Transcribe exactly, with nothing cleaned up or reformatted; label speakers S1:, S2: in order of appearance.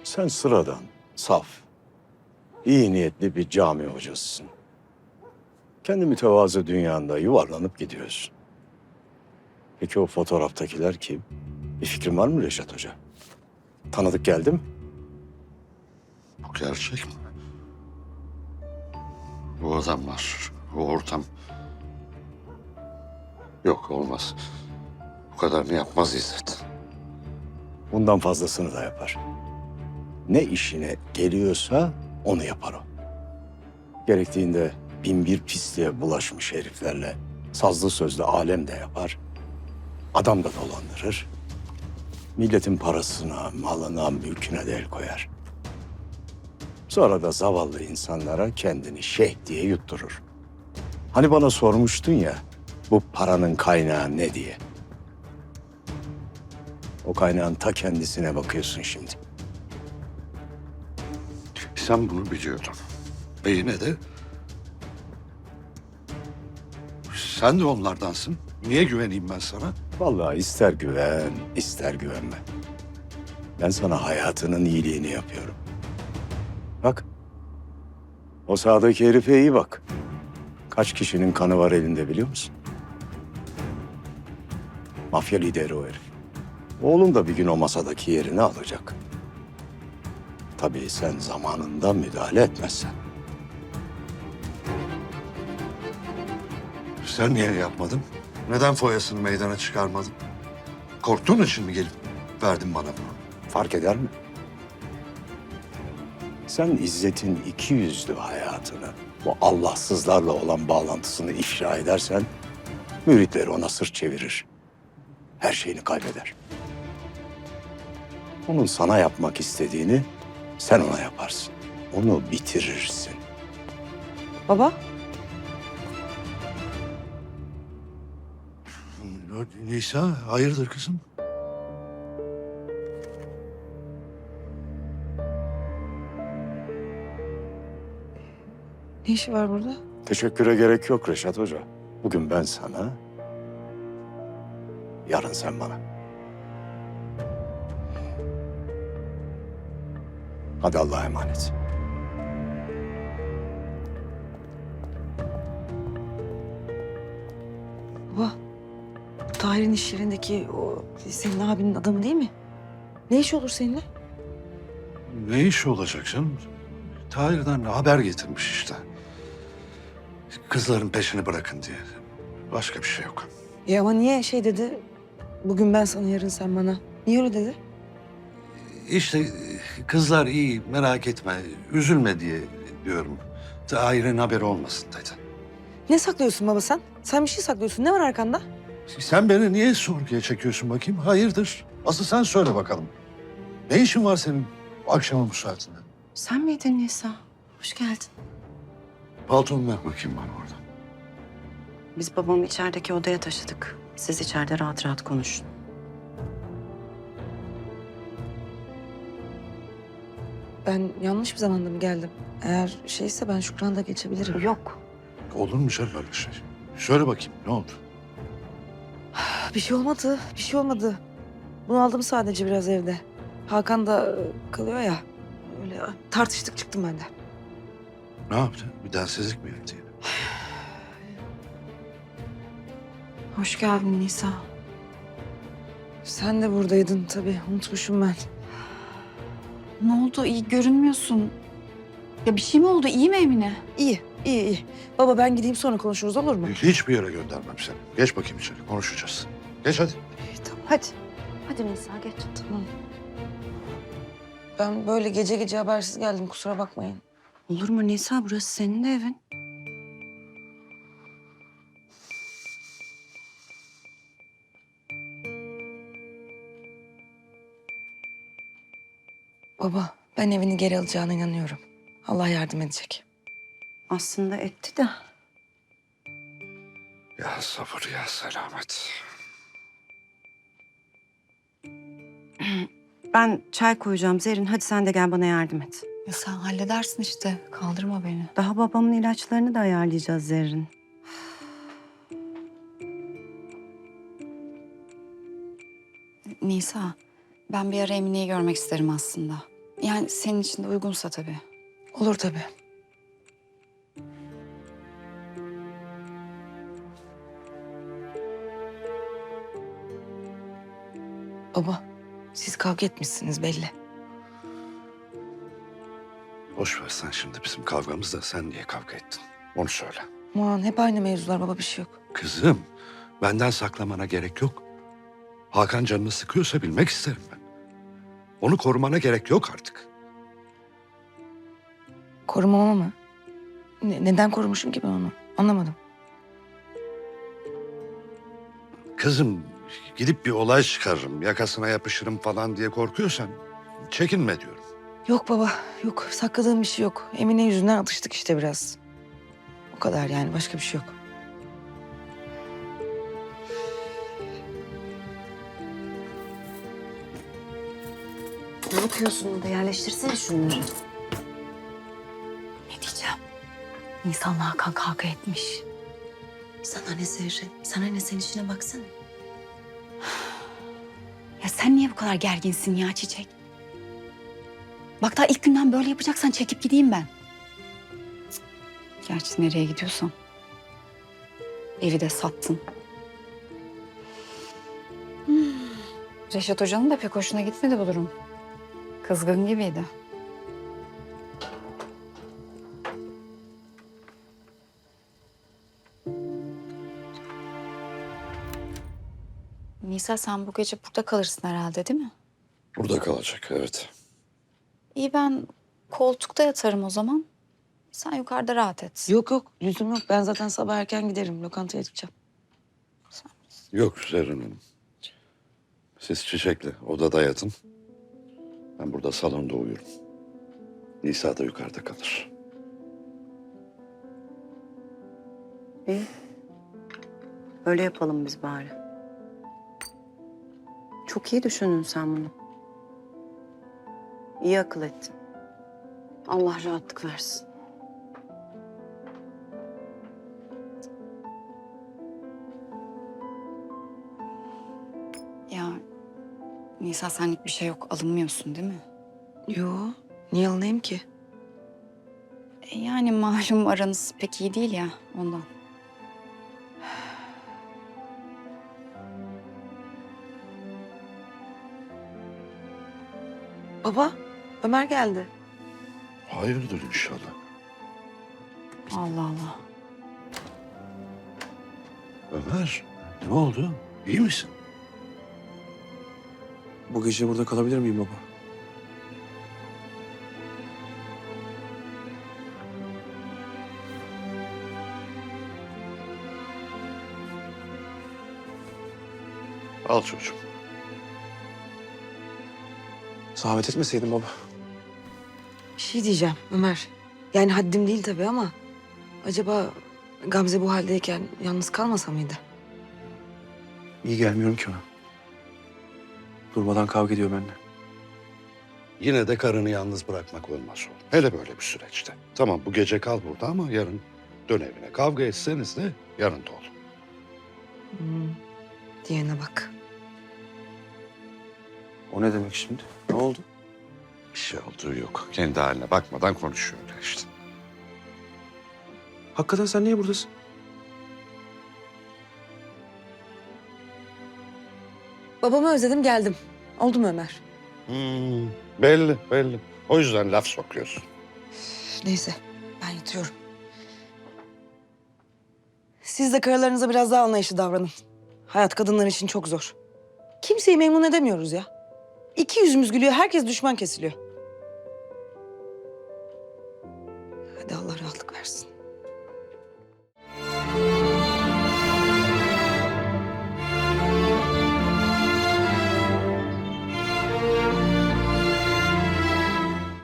S1: Sen sıradan, saf, iyi niyetli bir cami hocasısın. Kendi mütevazı dünyanda yuvarlanıp gidiyorsun. Peki o fotoğraftakiler kim? Bir fikrin var mı Reşat Hoca? Tanıdık geldi mi?
S2: Bu gerçek mi? Bu adamlar, bu ortam. Yok, olmaz. Bu kadarını yapmaz İzzet.
S1: Bundan fazlasını da yapar. Ne işine geliyorsa onu yapar o. Gerektiğinde bin bir pisliğe bulaşmış heriflerle sazlı sözlü alem de yapar. Adam da dolandırır. Milletin parasına, malına, mülküne de el koyar. Sonra da zavallı insanlara kendini şeyh diye yutturur. Hani bana sormuştun ya, bu paranın kaynağı ne diye. O kaynağın ta kendisine bakıyorsun şimdi.
S2: Sen bunu biliyordun. Ve yine de... Sen de onlardansın. Niye güveneyim ben sana?
S1: Vallahi ister güven, ister güvenme. Ben sana hayatının iyiliğini yapıyorum. Bak, o sağdaki herife iyi bak. Kaç kişinin kanı var elinde biliyor musun? Mafya lideri o herif. Oğlum da bir gün o masadaki yerini alacak. Tabii sen zamanında müdahale etmezsen.
S2: Sen niye yapmadın? Neden foyasını meydana çıkarmadın? Korktuğun için mi gelip verdin bana bunu?
S1: Fark eder mi? Sen İzzet'in iki yüzlü hayatını, bu Allahsızlarla olan bağlantısını ifşa edersen... müritleri ona sırt çevirir. Her şeyini kaybeder. Onun sana yapmak istediğini sen ona yaparsın. Onu bitirirsin.
S3: Baba,
S2: Nisa, hayırdır kızım?
S3: ne işi var burada?
S1: Teşekküre gerek yok Reşat Hoca. Bugün ben sana, yarın sen bana. Hadi Allah'a emanet.
S3: Baba, bu Tahir'in iş yerindeki o senin abinin adamı değil mi? Ne işi olur seninle?
S2: Ne iş olacak canım? Tahir'den haber getirmiş işte. Kızların peşini bırakın diye. Başka bir şey yok.
S3: Ya ama niye şey dedi? Bugün ben sana, yarın sen bana. Niye öyle dedi?
S2: İşte kızlar iyi, merak etme, üzülme diye diyorum. Tahir'in haberi olmasın dedi.
S3: Ne saklıyorsun baba sen? Sen bir şey saklıyorsun. Ne var arkanda?
S2: Sen beni niye sorguya çekiyorsun bakayım? Hayırdır? Asıl sen söyle bakalım. Ne işin var senin akşamın bu saatinde?
S4: Sen miydin Nisa? Hoş geldin.
S2: Paltomu ver bakayım bana orada.
S4: Biz babamı içerideki odaya taşıdık. Siz içeride rahat rahat konuşun.
S3: Ben yanlış bir zamanda mı geldim? Eğer şeyse ben Şükran'da geçebilirim.
S4: Yok.
S2: Olur mu canım öyle şey? Söyle bakayım ne oldu?
S3: Bir şey olmadı, bir şey olmadı. Bunu aldım sadece biraz evde. Hakan da e, kalıyor ya. Öyle tartıştık, çıktım ben de.
S2: Ne yaptı? Bir densizlik mi yaptı yine?
S4: Hoş geldin Nisa.
S3: Sen de buradaydın tabii. Unutmuşum ben.
S4: Ne oldu? İyi görünmüyorsun. Ya bir şey mi oldu? İyi mi Emine?
S3: İyi, iyi, iyi. Baba ben gideyim sonra konuşuruz olur mu?
S2: Hiçbir yere göndermem seni. Geç bakayım içeri konuşacağız. Geç hadi.
S3: İyi, tamam hadi.
S4: Hadi Nisa geç.
S3: Tamam. Ben böyle gece gece habersiz geldim, kusura bakmayın.
S4: Olur mu Nisa? Burası senin de evin.
S3: Baba ben evini geri alacağına inanıyorum. Allah yardım edecek.
S4: Aslında etti de.
S2: Ya sabır ya selamet.
S4: Ben çay koyacağım Zerrin. Hadi sen de gel bana yardım et.
S5: Ya sen halledersin işte. Kaldırma beni.
S4: Daha babamın ilaçlarını da ayarlayacağız Zerrin.
S5: Nisa, ben bir ara Emine'yi görmek isterim aslında.
S4: Yani senin için de uygunsa tabii.
S3: Olur tabii. Baba, siz kavga etmişsiniz belli.
S2: Boş ver sen şimdi bizim kavgamızda sen niye kavga ettin? Onu söyle.
S3: Aman hep aynı mevzular baba, bir şey yok.
S2: Kızım, benden saklamana gerek yok. Hakan canını sıkıyorsa bilmek isterim ben. Onu korumana gerek yok artık.
S3: Korumama mı? Ne- neden korumuşum ki ben onu? Anlamadım.
S2: Kızım, gidip bir olay çıkarırım, yakasına yapışırım falan diye korkuyorsan çekinme diyorum.
S3: Yok baba, yok. Sakladığım bir şey yok. Emine yüzünden atıştık işte biraz. O kadar yani, başka bir şey yok.
S6: Ne yapıyorsun burada? Yerleştirsene şunları.
S5: Ne diyeceğim? Nisan'la Hakan kavga etmiş.
S6: Sana ne Zerrin? Sana ne, sen işine baksana.
S4: Ya sen niye bu kadar gerginsin ya Çiçek? Bak daha ilk günden böyle yapacaksan çekip gideyim ben. Cık. Gerçi nereye gidiyorsam. Evi de sattın. Hmm. Reşat Hoca'nın da pek hoşuna gitmedi bu durum. Kızgın gibiydi. Nisa sen bu gece burada kalırsın herhalde değil mi?
S2: Burada kalacak, evet.
S4: İyi ben koltukta yatarım o zaman. Sen yukarıda rahat et.
S3: Yok yok, lüzum yok. Ben zaten sabah erken giderim. Lokantaya gideceğim.
S2: Yok Zerrin Hanım. Siz Çiçek'le odada yatın. Ben burada salonda uyurum. Nisa da yukarıda kalır.
S6: İyi. Öyle yapalım biz bari. Çok iyi düşündün sen bunu. İyi akıl ettin. Allah rahatlık versin.
S4: Ya Nisa senlik bir şey yok. Alınmıyorsun değil mi?
S3: Yo, niye alınayım ki?
S4: E, yani malum aranız pek iyi değil ya ondan.
S3: Baba, Ömer geldi.
S2: Hayırdır inşallah.
S4: Allah Allah.
S2: Ömer, ne oldu? İyi misin?
S7: Bu gece burada kalabilir miyim baba?
S2: Al çocuğum.
S7: Zahmet etmeseydin baba.
S3: Bir şey diyeceğim Ömer. Yani haddim değil tabii ama... acaba Gamze bu haldeyken yalnız kalmasa mıydı?
S7: İyi gelmiyorum ki ona. Durmadan kavga ediyor benimle.
S2: Yine de karını yalnız bırakmak olmaz oğlum. Hele böyle bir süreçte. Tamam bu gece kal burada ama yarın dön evine. Kavga etseniz de yanında ol.
S3: Hmm. Diyene bak.
S7: O ne demek şimdi? Ne oldu?
S2: Bir şey olduğu yok. Kendi haline bakmadan konuşuyor öyle işte.
S7: Hakikaten sen niye buradasın?
S3: Babamı özledim, geldim. Oldu mu Ömer?
S2: Hmm, belli belli. O yüzden laf sokuyorsun.
S3: Üf, neyse, ben yatıyorum. Siz de karılarınıza biraz daha anlayışlı davranın. Hayat kadınlar için çok zor. Kimseyi memnun edemiyoruz ya. İki yüzümüz gülüyor, herkes düşman kesiliyor.